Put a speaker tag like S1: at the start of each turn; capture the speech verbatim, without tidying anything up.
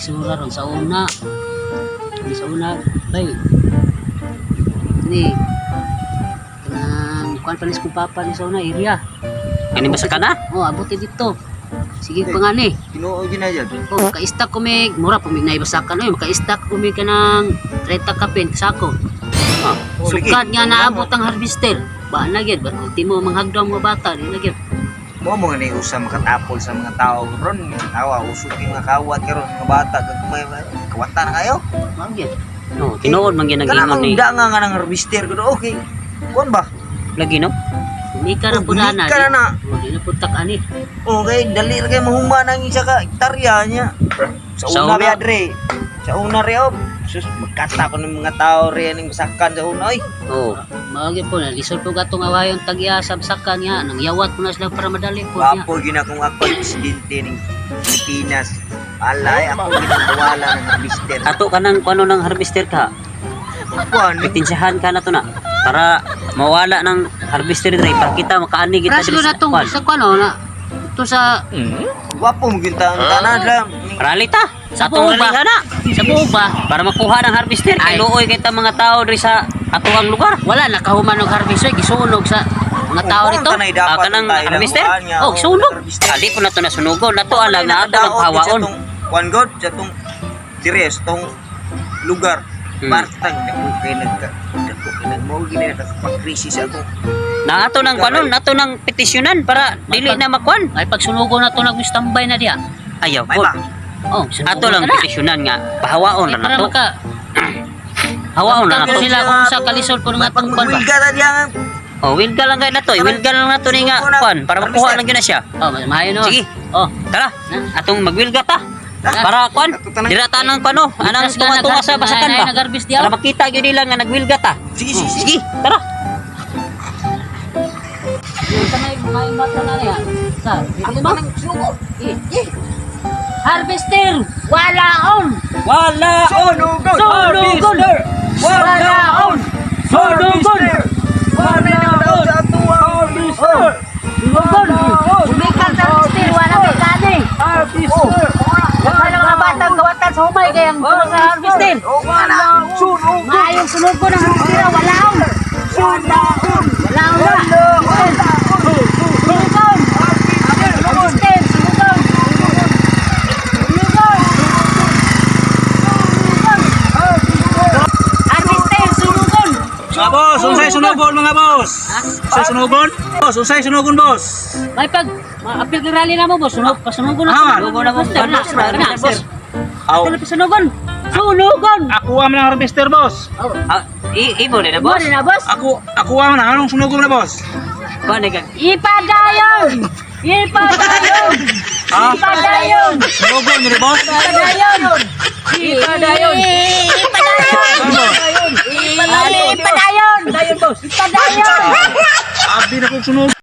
S1: isura ron sa una. Di sa una, bay. Ni kanang kuan panis ko papa ni sa una area.
S2: Kani ba sa kana?
S1: Oh, abuti dito. Sige pa nga ni.
S3: Tinuod yun na dyan.
S1: Oh, maka-stack ko may mura pa may naibasakan oy, maka-stack ko may kanang thirty kapin sako.
S2: Ah,
S3: Oh,
S1: Sugad
S3: lagi.
S1: nga naabot ang harvester. Ba na gyud, ba ulti mo manghagdaw mga bata, di na gyud.
S3: Mo mo nga usa makatapol sa mga tao ron. Awa, usok yung mga kawat karon mga bata kag may kawatan na kayo.
S1: Mao gyud.
S2: no, tinuod man gyud
S3: Kana
S2: nag-ingon
S3: mang
S2: ni.
S3: danga nga nang harvester ko okay. Kuan ba?
S2: Lagi no?
S1: Umi ka na
S3: Oh,
S1: pudana.
S3: bumili ka na na.
S1: Oh, di na putak ani.
S3: Okay, dali ra kay mahuma nang isa ka hektarya niya. Sa
S2: Sa
S3: una
S2: una.
S3: ba dre? Sa una re oh. Sus magkasta ko ng mga tao re ning basakan sa una oy.
S2: Oh.
S1: Mao gyud po na lisod po gatong awayon tagya sa basakan niya nang yawat po na sila para madali po niya.
S3: Wapo gina kung ako ay presidente ng Pilipinas. Alay ako ginawala ng harvester.
S2: Ato ka nang kuno ng harvester ka.
S3: Kuan,
S2: Pitinsahan ka na to na para mawala ng harvester dre para kita makaani kita
S1: Raslo na tong
S2: kuan.
S1: sa kuno na ito sa
S3: wapo mo ginta ang tanan lang.
S2: Ralita sa
S1: Sa
S2: atong
S1: buo ba?
S2: ralihan na
S1: sa buo ba?
S2: para makuha ng harvester kay
S1: Ay.
S2: luoy kita mga tao diri sa atuang lugar.
S1: Wala nakahuman og harvester gisunog sa mga tao
S3: Kung
S1: nito.
S3: kanay dapat
S2: Ah, kanang
S3: tayo lang
S2: harvester?
S3: kuhaan niya,
S2: Oh, sunog.
S3: harvester.
S2: Ali po na to nasunugon. Nato alam na ato
S3: Nakadaot
S2: nagpahawaon.
S3: sa tong kuan god sa tong dires tong lugar.
S2: Hmm.
S3: Partang dako kay nagka dako kay nagmo gini nakapag-crisis ako.
S2: Na ato nang kanon, nato nang petisyonan para dili na makuan.
S1: Ay pagsunugo na to nag-standby na diya.
S2: Ayaw
S3: May
S2: po.
S3: ba?
S1: Oh,
S2: Ato lang petisyonan nga pahawaon
S1: Ay,
S2: na
S1: para
S2: nato.
S1: maka
S2: Hawaon na
S1: Tanggal
S2: nato.
S1: sila kung sa kalisod po ng atong kuan ba.
S3: Pagmulga na diyan.
S2: Oh, wilga lang kay nato. Wilga lang nato ni nga kuan para makuha lang gyud na siya.
S1: Oh, mahayo no.
S2: Sige.
S1: Oh,
S2: Tara, atong magwilga ta. Para kuan, dira ta nang pano, anang
S1: Bukas ka
S2: tunga-tunga sa
S1: nag-
S2: basakan
S1: ay,
S2: ba.
S1: nag-harvest diyaw.
S2: Para makita gyud nila nga nagwilga ta.
S3: Sige sige sige.
S2: Sige, tara.
S1: yung sanay mga imata na niya. Sa, dito ba? Eh, eh. Harvester, wala on.
S2: Wala
S3: Sunugon.
S1: Sunugon. Wala on. Sunugon.
S3: Wala on sa tuwa.
S1: Sunugon. Bumikan sa harvester, wala may kani.
S3: Harvester.
S1: Wala mga batang gawatan sa humay kayang tulong sa harvester.
S3: Wala sunugon.
S1: Maayong sunugon ang harvester, wala on.
S3: Sunugon.
S1: Wala on na. Sunugon. Harvester, sunugon. Sunugon. Harvester, sunugon.
S4: Mga boss, unsay sunugon mga boss? Unsay sunugon? Boss, unsay sunugon boss?
S1: May pag ma-appeal ka rally na mo, boss. Sunog, pasunugon na.
S4: Ah,
S1: Sunugon na, boss. Tara, tara, tara, boss.
S4: Aw,
S1: Tara, pasunugon. Sunugon.
S4: ako ang ng harvester boss.
S1: Oh,
S2: Ah, i ibo na
S1: boss.
S2: boss.
S1: na, boss.
S4: Ako, ako ang na anong sunugon na boss?
S2: Kuan kag
S1: Ipadayon! Ipadayon!
S4: Ha?
S1: Ipadayon!
S4: Sunugon ni boss?
S1: Ipadayon! Ipadayon! Ipadayon! Ipadayon! Ipadayon! Ipadayon!
S4: Abi na kong sunugon.